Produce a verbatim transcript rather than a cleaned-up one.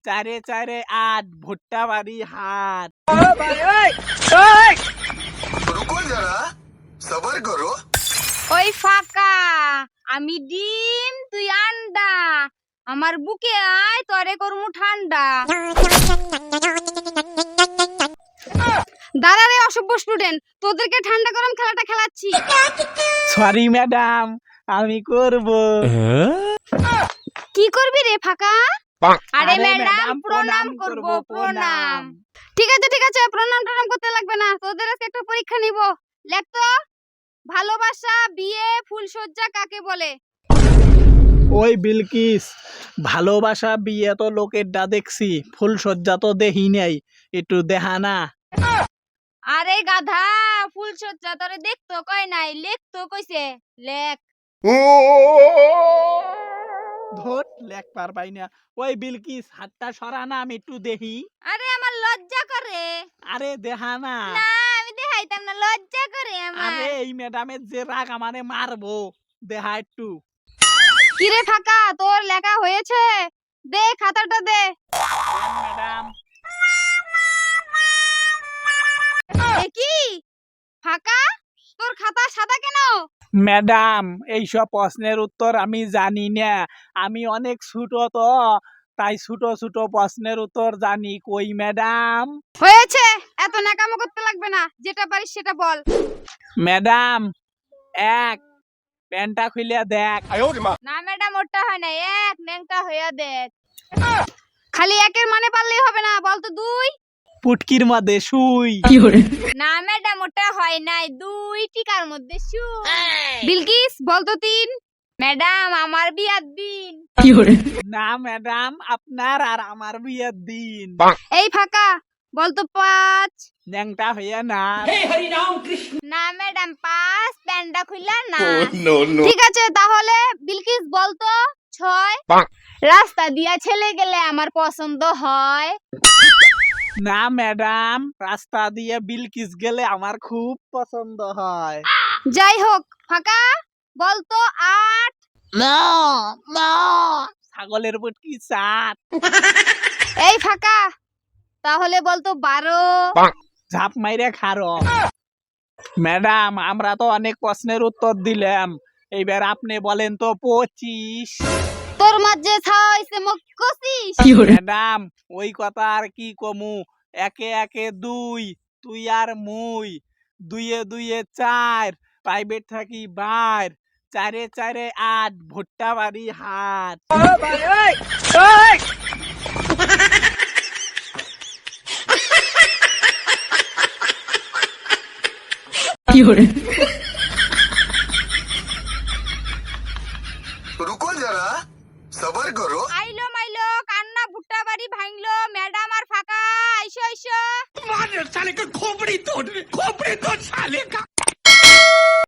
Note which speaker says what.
Speaker 1: চারে চারে আট ভুট্টা বাড়ি হাট।
Speaker 2: रुको जरा सबर करो।
Speaker 3: ওই ফাঁকা, আমি ডিম তুই আন্ডা, আমার বুকে আয় তরে করমু ঠান্ডা। দাঁড়া রে অসভ্য স্টুডেন্ট, তোদেরকে ঠান্ডা গরম খেলাটা খেলাচ্ছি।
Speaker 1: সরি ম্যাডাম, আমি করব।
Speaker 3: কি করবি রে ফাঁকা? আরে
Speaker 1: আরে
Speaker 3: ম্যাডাম
Speaker 1: ম্যাডাম,
Speaker 3: প্রণাম
Speaker 1: প্রণাম
Speaker 3: করব,
Speaker 1: করব,
Speaker 3: প্রণাম।
Speaker 1: প্রণাম।
Speaker 3: ঠিক আছে ঠিক আছে, প্রণাম টনাম করতে লাগবে না, তোদের আজকে একটা পরীক্ষা নিব। লেখ তো, ভালোবাসা বিয়ে ফুলসজ্জা কাকে বলে?
Speaker 1: ওই বিলকিস, ভালোবাসা বিয়ে তো লোকের ডা দেখছি, ফুলসজ্জা তো দেখি নাই, একটু দেখা না।
Speaker 3: আরে গাধা, ফুলসজ্জা তোরে দেখতো কয় নাই, লেখ তো কইছে, লেখ।
Speaker 1: ধর লেখ পারবাই না। ওই বিলকিস, হাতটা সরা না, আমি একটু দেখি।
Speaker 3: আরে আমার লজ্জা করে।
Speaker 1: আরে দেখা না।
Speaker 3: না আমি দেখাইতাম না, লজ্জা করে আমার।
Speaker 1: আরে এই ম্যাডামের যে রাগ, আমারে মারবো, দেখা একটু।
Speaker 3: কিরে ফাঁকা, তোর লেখা হয়েছে? দে খাতাটা দে।
Speaker 1: ম্যাডাম,
Speaker 3: এ কি ফাঁকা, তোর খাতা সাদা কেন?
Speaker 1: ম্যাডাম এইসব প্রশ্নের উত্তর আমি জানি না, আমি অনেক ছোট তো, তাই ছোট ছোট প্রশ্নের উত্তর জানি। কই ম্যাডাম?
Speaker 3: হয়েছে, এত নাকামো করতে লাগবে না, যেটা পারিস সেটা বল।
Speaker 1: ম্যাডাম এক, প্যান্টটা খুলে দেখ।
Speaker 3: না ম্যাডাম, ওটা হয় না, এক ন্যাংটা হইয়া দেখ। খালি একের মানে পারলেই হবে না, বল তো দুই।
Speaker 1: পুটকির মধ্যে সুই।
Speaker 3: না ম্যাডাম, ওটা হয় নাই, দুই টিকার মধ্যে সুই। বিলকিস বল তো তিন। ম্যাডাম আমার বিয়ার দিন।
Speaker 1: না ম্যাডাম, আপনার আর আমার বিয়ের দিন।
Speaker 3: এই ফাঁকা, বল তো পাঁচ।
Speaker 1: ন্যাংটা হইয়া না।
Speaker 3: না ম্যাডাম, পাঁচ প্যান্ডা খুইলা না।
Speaker 2: नो नो
Speaker 3: ঠিক আছে তাহলে বিলকিস বল তো ছয়। রাস্তা দিয়া ছেলে গেলে আমার পছন্দ হয়।
Speaker 1: না ম্যাডাম, রাস্তা দিয়ে বিলকিস গেলে আমার খুব পছন্দ হয়।
Speaker 3: যাই হোক ফাঁকা, বল তো আট।
Speaker 1: না না, ছাগলের পুটকি সাত।
Speaker 3: এই ফাঁকা, তাহলে বল তো বারো।
Speaker 1: ঝাপ মাইরে খারো। ম্যাডাম আমরা তো অনেক প্রশ্নের উত্তর দিলাম, এইবার আপনি বলেন তো পঁচিশ।
Speaker 3: তোর মাঝে ছাইছে মুখ কষিস।
Speaker 1: ম্যাডাম ওই কথা আর কি কমু, একে একে দুই, তুই আর মুই, দুইয়ে দুইয়ে চার, প্রাইভেট থাকি বাইর, চারে চারে আট ভুট্টা বাড়ি হাট।
Speaker 2: रुको जरा सबर करो।
Speaker 3: আইলো মাইলো কান্না ভুট্টা বাড়ি ভাঙলো, ম্যাডাম আর ফাঁকা আইসো আইসো।
Speaker 4: साले का खोपड़ी तोड़ खोपड़ी तोड़ साले का